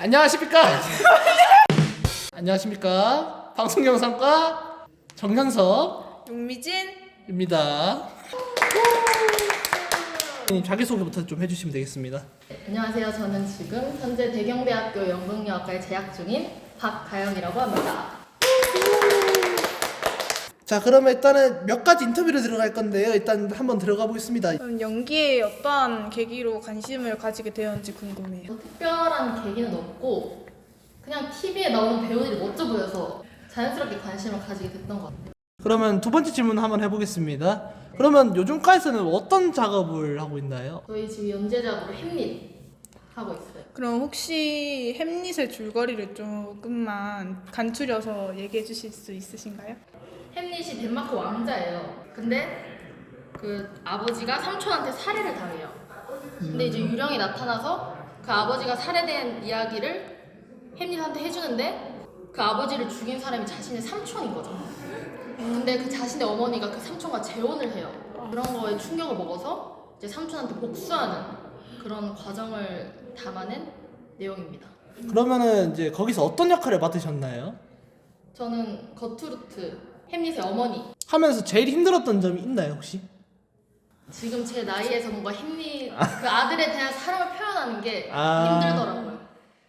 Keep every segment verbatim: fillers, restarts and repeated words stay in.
안녕하십니까? 안녕하십니까? 방송영상과 정현석입니다. 용미진 자기소개부터 좀 해주시면 되겠습니다. 안녕하세요. 저는 지금 현재 대경대학교 연극영화과에 재학 중인 박가영이라고 합니다. 자, 그러면 일단은 몇 가지 인터뷰를 들어갈 건데요. 일단 한번 들어가 보겠습니다. 그럼 연기에 어떠한 계기로 관심을 가지게 되었는지 궁금해요. 뭐 특별한 계기는 없고 그냥 티비에 나오는 배우들이 멋져 보여서 자연스럽게 관심을 가지게 됐던 것 같아요. 그러면 두 번째 질문 한번 해보겠습니다. 그러면 요즘과에서는 어떤 작업을 하고 있나요? 저희 지금 연재작으로 햄릿 하고 있어요. 그럼 혹시 햄릿의 줄거리를 조금만 간추려서 얘기해 주실 수 있으신가요? 햄릿이 덴마크 왕자예요. 근데 그 아버지가 삼촌한테 살해를 당해요. 근데 이제 유령이 나타나서 그 아버지가 살해된 이야기를 햄릿한테 해주는데 그 아버지를 죽인 사람이 자신의 삼촌인 거죠. 근데 그 자신의 어머니가 그 삼촌과 재혼을 해요. 그런 거에 충격을 먹어서 이제 삼촌한테 복수하는 그런 과정을 담아낸 내용입니다. 그러면은 이제 거기서 어떤 역할을 맡으셨나요? 저는 거투르트, 햄릿의 어머니. 하면서 제일 힘들었던 점이 있나요, 혹시? 지금 제 나이에서 뭔가 햄릿 그 아들에 대한 사랑을 표현하는 게 아. 힘들더라고요.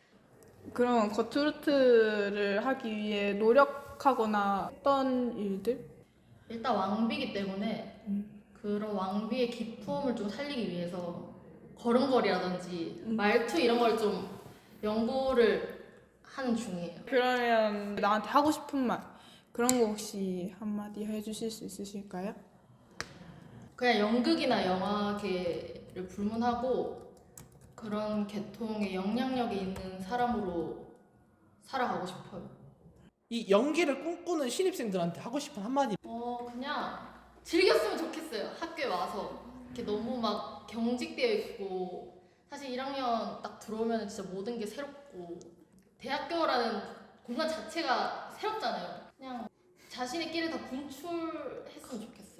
그럼 거투르트를 하기 위해 노력하거나 어떤 일들? 일단 왕비이기 때문에 그런 왕비의 기품을 좀 살리기 위해서 걸음걸이라든지 말투 이런 걸 좀 연구를 하는 중이에요. 그러면 나한테 하고 싶은 말 그런 거 혹시 한마디 해주실 수 있으실까요? 그냥 연극이나 영화계를 불문하고 그런 계통의 영향력이 있는 사람으로 살아가고 싶어요. 이 연기를 꿈꾸는 신입생들한테 하고 싶은 한마디. 어 그냥 즐겼으면 좋겠어요. 학교에 와서 이렇게 너무 막 경직되어 있고 사실 일 학년 딱 들어오면 진짜 모든 게 새롭고 대학교라는 공간 자체가 새롭잖아요. 그냥 자신의 끼를 다 분출했으면 좋겠어요.